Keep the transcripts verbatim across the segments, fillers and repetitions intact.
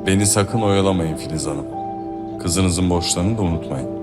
Beni sakın oyalamayın Filiz Hanım. Kızınızın borçlarını da unutmayın.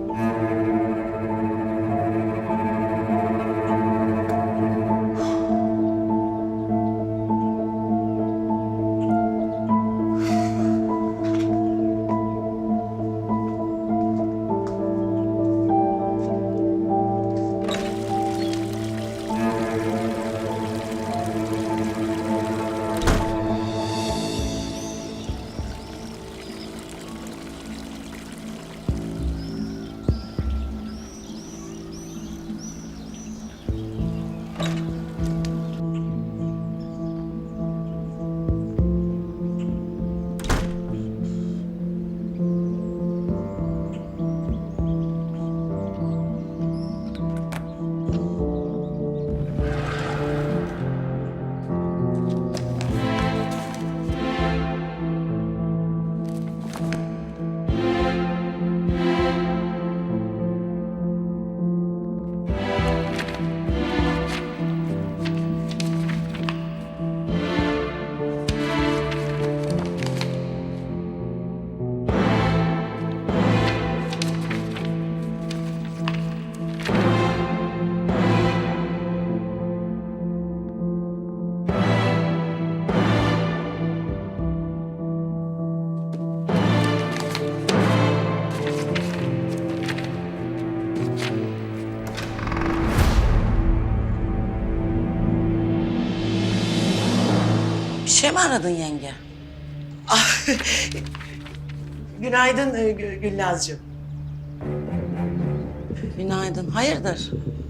Bir şey mi aradın yenge? Ah, günaydın e, Gül- Gülnazcığım. Günaydın. Hayırdır?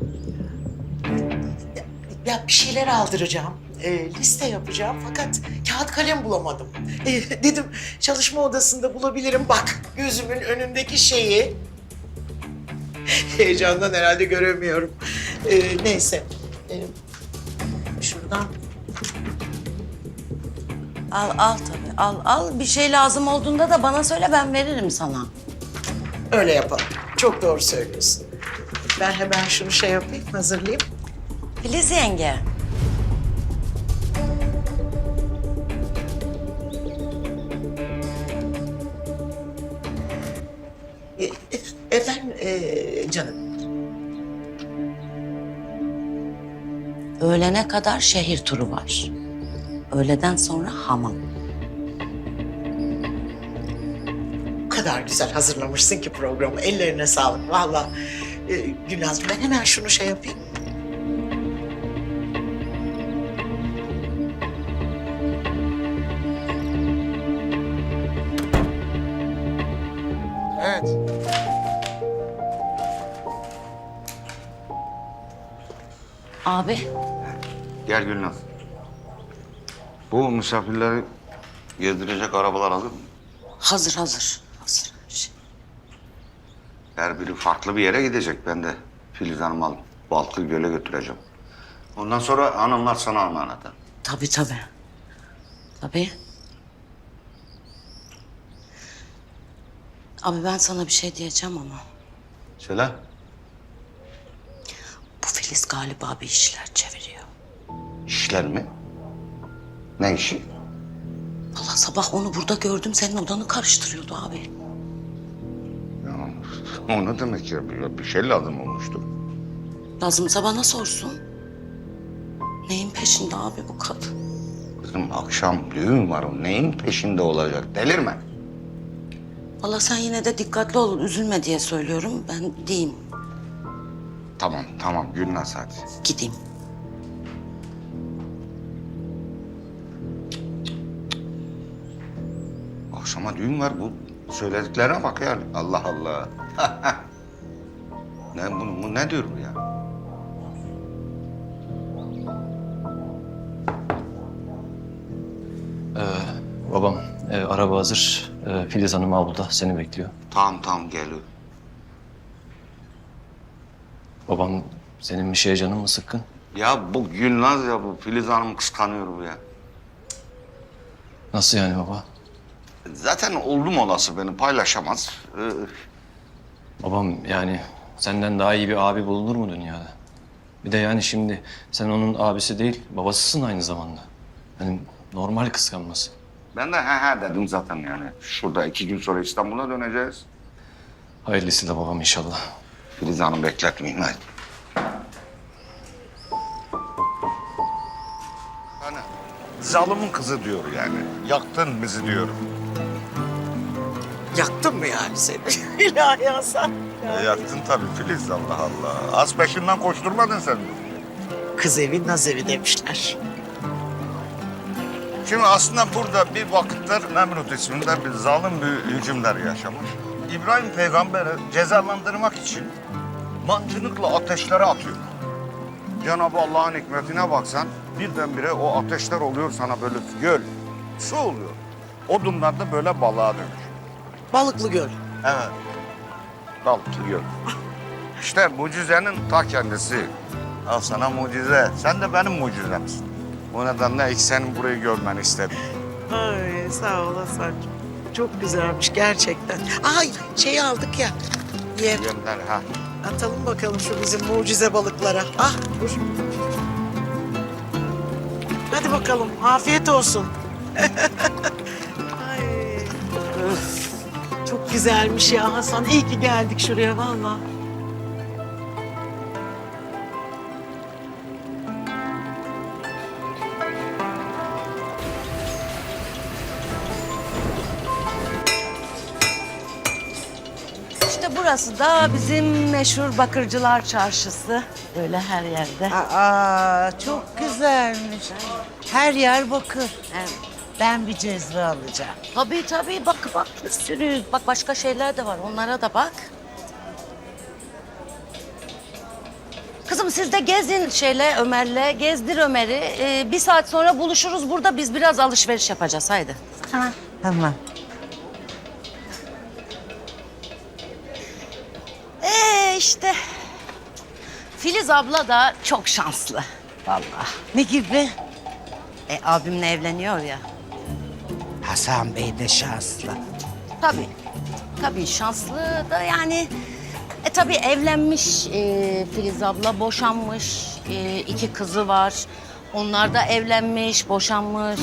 Ya bir şeyler aldıracağım. e, liste yapacağım fakat kağıt kalem bulamadım. E, dedim çalışma odasında bulabilirim. Bak gözümün önündeki şeyi. Heyecandan herhalde göremiyorum. E, neyse. E, şuradan. Al al tabii. Al al. Bir şey lazım olduğunda da bana söyle, ben veririm sana. Öyle yapalım. Çok doğru söylüyorsun. Ben hemen şunu şey yapayım, hazırlayayım. Filiz yenge. E, e, efendim e, canım. Öğlene kadar şehir turu var. Öğleden sonra hamam. O kadar güzel hazırlamışsın ki programı. Ellerine sağlık vallahi. E, Gülnazcığım ben hemen şunu şey yapayım. Evet. Abi. Gel Gülnaz. Bu misafirleri gezdirecek arabalar hazır mı? Hazır hazır. Hazır. Şey. Her biri farklı bir yere gidecek. Ben de Filiz Hanım'ı alıp Balkı Göl'e götüreceğim. Ondan sonra hanımlar sana emanet. Tabii tabii. Tabii. Abi ben sana bir şey diyeceğim ama Söyle. bu Filiz galiba bir işler çeviriyor. İşler mi? Ne işi? Vallahi sabah onu burada gördüm, senin odanı karıştırıyordu abi. Ya, o ne demek ya? Bir, bir şey lazım olmuştu. Lazımsa bana sorsun. Neyin peşinde abi bu kadın? Kızım akşam düğün var. O neyin peşinde olacak? Delirme. Vallahi sen yine de dikkatli ol, üzülme diye söylüyorum. Ben diyeyim, Tamam, tamam Gülnaz hadi. gideyim. Akşama düğün var bu. Söylediklerine bak yani. Allah Allah. ne bu, bu ne diyor bu ya? Babam, e, araba hazır. E, Filiz Hanım avluda seni bekliyor. Tamam tamam geliyor. Babam, senin bir şeye canın mı sıkkın? Ya bu Gülnaz ya bu Filiz Hanım kıskanıyor bu ya. Nasıl yani baba? Zaten oldum olası beni paylaşamaz. Ee, Babam yani senden daha iyi bir abi bulunur mu dünyada? Bir de yani şimdi sen onun abisi değil, babasısın aynı zamanda. Yani normal kıskanması. Ben de he he dedim zaten yani. Şurada iki gün sonra İstanbul'a döneceğiz. Hayırlısı da babam inşallah. Filiz Hanım bekletmeyin hadi. Hani zalimin kızı diyor yani. Yaktın bizi diyorum. Yaktın mı yani seni? İlahi Hasan. E, yaktın tabii Filiz, Allah Allah. Az peşinden koşturmadın sen. Kız evi naz evi demişler. Şimdi aslında burada bir vakitler Nemrut isminde bir zalim bir hükümdar yaşamış. İbrahim peygamberi cezalandırmak için mancınıkla ateşlere atıyor. Cenab-ı Allah'ın hikmetine baksan birdenbire o ateşler oluyor sana böyle göl, su oluyor. Odunlar da böyle balığa dönüyor. Balıklı Göl. Evet. Balıklı göl. İşte mucizenin ta kendisi. Al sana mucize. Sen de benim mucizemsin. O nedenle ilk senin burayı görmeni istedim. Ay sağ ol Hasan'cığım. Çok güzelmiş gerçekten. Ay şeyi aldık ya. Yem. Yemler ha. Atalım bakalım şu bizim mucize balıklara. Ah dur. Hadi bakalım afiyet olsun. Ay. Öf. Çok güzelmiş ya Hasan. İyi ki geldik şuraya vallahi. İşte burası da bizim meşhur Bakırcılar Çarşısı. Böyle her yerde. Aa, çok güzelmiş. Her yer bakır. Evet. Ben bir cezve alacağım. Tabii tabii bak bak bir sürü. Bak başka şeyler de var onlara da bak. Kızım siz de gezin şeyle Ömer'le. Gezdir Ömer'i. Ee, bir saat sonra buluşuruz burada. Biz biraz alışveriş yapacağız haydi. Ha, tamam. Ee işte Filiz abla da çok şanslı vallahi. Ne gibi? E abimle evleniyor ya. Hasan Bey de şanslı. Tabii. Tabii şanslı da yani e tabii evlenmiş e, Filiz abla boşanmış. E, iki kızı var. Onlar da evlenmiş, boşanmış.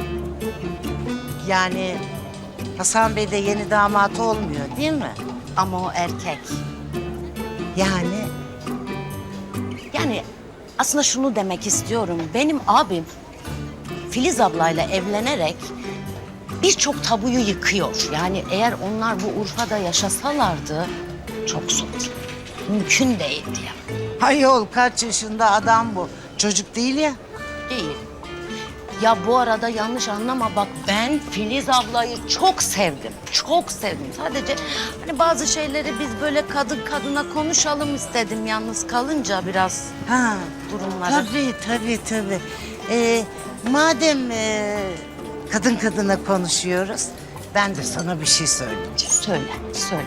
Yani Hasan Bey de yeni damat olmuyor değil mi? Ama o erkek. Yani Yani aslında şunu demek istiyorum. Benim abim Filiz ablayla evlenerek birçok tabuyu yıkıyor. Yani eğer onlar bu Urfa'da yaşasalardı çok zor. Mümkün değildi ya. hayol kaç yaşında adam bu. Çocuk değil ya. Değil. Ya bu arada yanlış anlama bak ben Filiz ablayı çok sevdim. Çok sevdim. Sadece hani bazı şeyleri biz böyle kadın kadına konuşalım istedim yalnız kalınca biraz Ha, durumları. tabii tabii tabii. Ee, madem e, kadın kadına konuşuyoruz, ben de sana bir şey söyleyeceğim. Söyle, söyle.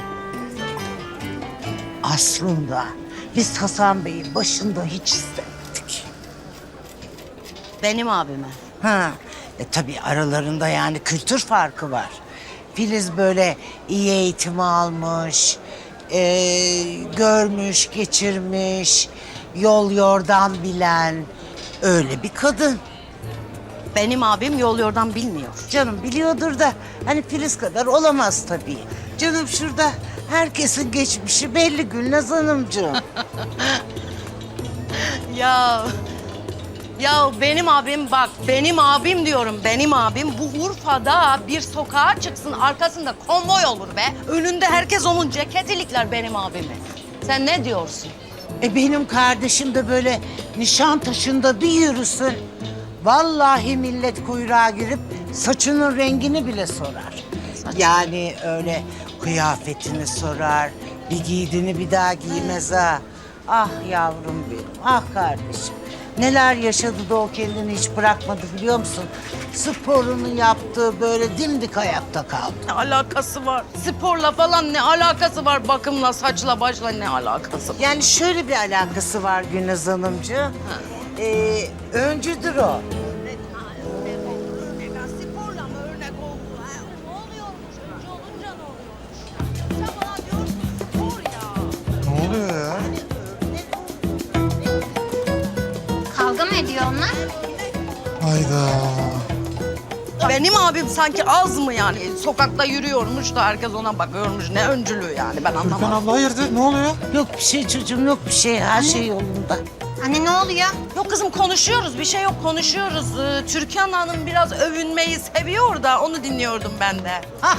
Aslında biz Hasan Bey'i başında hiç istemedik. Benim abime. Ha, e, tabii aralarında yani kültür farkı var. Filiz böyle iyi eğitimi almış, e, görmüş, geçirmiş, yol yordan bilen öyle bir kadın. Benim abim yol yordan bilmiyor. Canım biliyordur da hani Filiz kadar olamaz tabii. Canım şurada herkesin geçmişi belli Gülnaz Hanımcığım. Ya ya benim abim bak benim abim diyorum benim abim bu Urfa'da bir sokağa çıksın arkasında konvoy olur be. Önünde herkes onun ceket ilikler benim abimi. Sen ne diyorsun? E benim kardeşim de böyle Nişantaşı'nda bir yürüsün. Vallahi millet kuyruğa girip saçının rengini bile sorar. Yani öyle kıyafetini sorar, bir giydiğini bir daha giymez ha. Ah yavrum benim, ah kardeşim. Neler yaşadı da o kendini hiç bırakmadı biliyor musun? Sporunu yaptı, böyle dimdik ayakta kaldı. Ne alakası var? Sporla falan ne alakası var? Bakımla, saçla, başla ne alakası var? Yani şöyle bir alakası var Gülnaz Hanımcığım. Ee, öncüdür o. Sporla mı örnek oldu? Ne oluyormuş? Önce olunca ne oluyormuş? Sen bana diyorsun spor ya. Ne oluyor ya? Kavga mı ediyor onlar? Hayda. Benim abim sanki az mı yani? Sokakta yürüyormuş da herkes ona bakıyormuş. Ne öncülüğü yani ben Türkan anlamadım. abla hayırdır ne oluyor? Yok bir şey çocuğum, yok bir şey. Her şey yolunda. Anne ne oluyor? Yok kızım konuşuyoruz bir şey yok konuşuyoruz. Ee, Türkan Hanım biraz övünmeyi seviyor da onu dinliyordum ben de.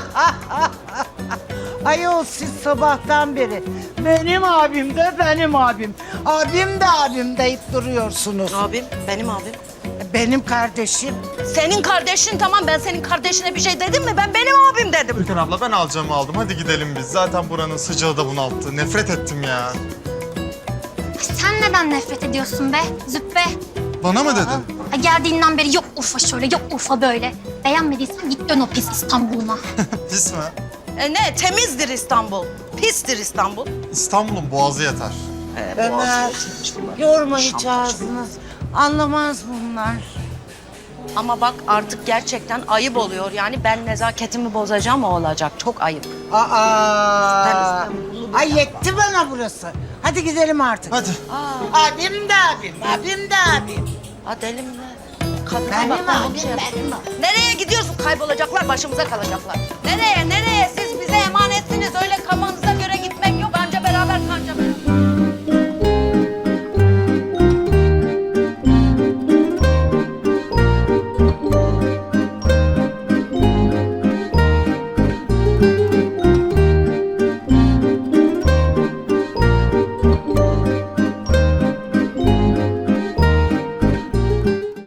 Ayol siz sabahtan beri benim abim de benim abim. Abim de abim deyip duruyorsunuz. Abim benim abim. Benim kardeşim. Senin kardeşin tamam ben senin kardeşine bir şey dedim mi? Ben benim abim dedim. Türkan abla ben alacağımı aldım. Hadi gidelim biz. Zaten buranın sıcağı da bunalttı. Nefret ettim ya. Sen neden nefret ediyorsun be Züppe? Bana mı dedin? Ha, geldiğinden beri yok Urfa şöyle, yok Urfa böyle. Beğenmediysen git dön o pis İstanbul'una. Pis mi? E ne temizdir İstanbul. Pistir İstanbul. İstanbul'un boğazı yeter. Ömer, yorma hiç ağzını. Anlamaz bunlar. Ama bak artık gerçekten ayıp oluyor. Yani ben nezaketimi bozacağım o olacak. Çok ayıp. Aa, ay yetti bana burası. Hadi gidelim artık. Hadi. Abim de abim, abim de abim. Ha deli mi ne? Kadına Benim bak, ben abim, bunu şey yapayım. benim abim. Nereye gidiyorsun? Kaybolacaklar, başımıza kalacaklar. Nereye, nereye? Siz bize emanetsiniz. Öyle